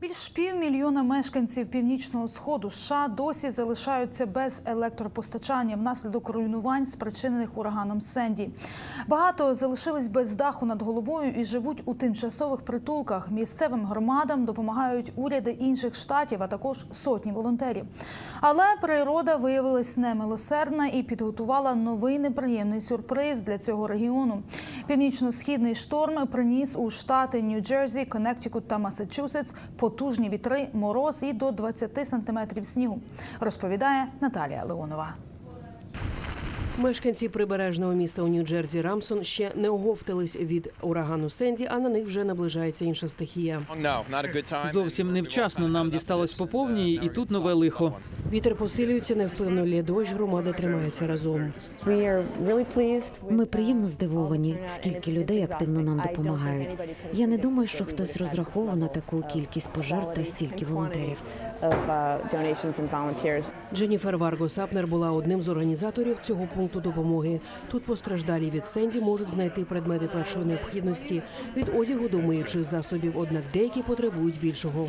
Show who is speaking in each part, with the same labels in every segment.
Speaker 1: Більш півмільйона мешканців Північного Сходу США досі залишаються без електропостачання внаслідок руйнувань, спричинених ураганом Сенді. Багато залишились без даху над головою і живуть у тимчасових притулках. Місцевим громадам допомагають уряди інших штатів, а також сотні волонтерів. Але природа виявилась немилосердна і підготувала новий неприємний сюрприз для цього регіону. Північно-східний шторм приніс у штати Нью-Джерсі, Коннектикут та Массачусетс потужні вітри, мороз і до 20 сантиметрів снігу, розповідає Наталія Леонова.
Speaker 2: Мешканці прибережного міста у Нью-Джерсі Рамсон ще не оговтались від урагану Сенді, а на них вже наближається інша стихія.
Speaker 3: Зовсім невчасно нам дісталось по повній, і тут нове лихо.
Speaker 2: Вітер посилюється, невпевно лє дощ, громада тримається разом.
Speaker 4: Ми приємно здивовані, скільки людей активно нам допомагають. Я не думаю, що хтось розраховував на таку кількість пожертв та стільки волонтерів.
Speaker 2: Дженніфер Варго-Сапнер була одним з організаторів цього пункту допомоги. Тут постраждалі від Сенді можуть знайти предмети першої необхідності – від одягу до миючих засобів, однак деякі потребують більшого.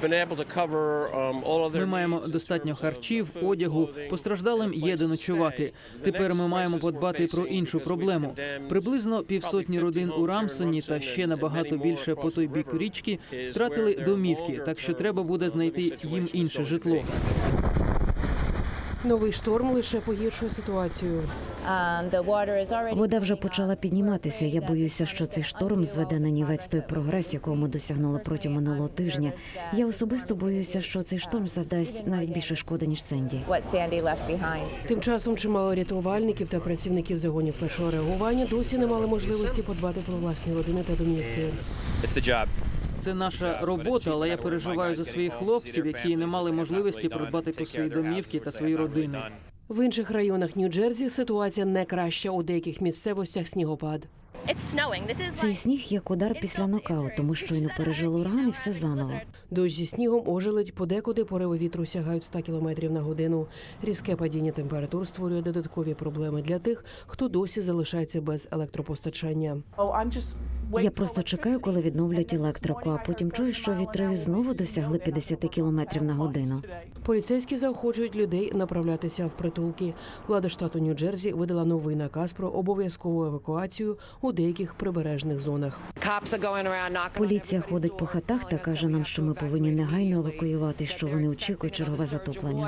Speaker 3: Ми маємо достатньо харчів, одягу, постраждалим є де ночувати. Тепер ми маємо подбати про іншу проблему. Приблизно 500 родин у Рамсоні та ще набагато більше по той бік річки втратили домівки, так що треба буде знайти їм інше житло.
Speaker 2: Новий шторм лише погіршує ситуацію.
Speaker 4: Вода вже почала підніматися. Я боюся, що цей шторм зведе на нівець той прогрес, якого ми досягнули протягом минулого тижня. Я особисто боюся, що цей шторм завдасть навіть більше шкоди, ніж Сенді.
Speaker 2: Тим часом чимало рятувальників та працівників загонів першого реагування досі не мали можливості подбати про власні родини та домівки.
Speaker 3: Це наша робота, але я переживаю за своїх хлопців, які не мали можливості придбати про свої домівки та свої родини.
Speaker 2: В інших районах Нью-Джерсі ситуація не краща, у деяких місцевостях снігопад.
Speaker 4: Цей сніг як удар після нокауту. Ми щойно пережили ураган і все заново.
Speaker 2: Дощ зі снігом ожеледь, подекуди пориви вітру сягають 100 км на годину. Різке падіння температур створює додаткові проблеми для тих, хто досі залишається без електропостачання.
Speaker 4: Я просто чекаю, коли відновлять електрику, а потім чую, що вітри знову досягли 50 км на годину.
Speaker 2: Поліцейські заохочують людей направлятися в притулки. Влада штату Нью-Джерсі видала новий наказ про обов'язкову евакуацію у деяких прибережних зонах.
Speaker 4: Поліція ходить по хатах та каже нам, що ми повинні негайно евакуювати, що вони очікують чергове затоплення.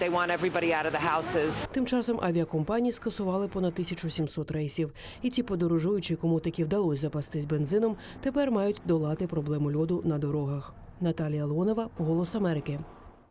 Speaker 2: Тим часом авіакомпанії скасували понад 1700 рейсів. І ті подорожуючі, кому таки вдалося запастись бензином, тепер мають долати проблему льоду на дорогах. Наталія Леонова, «Голос Америки».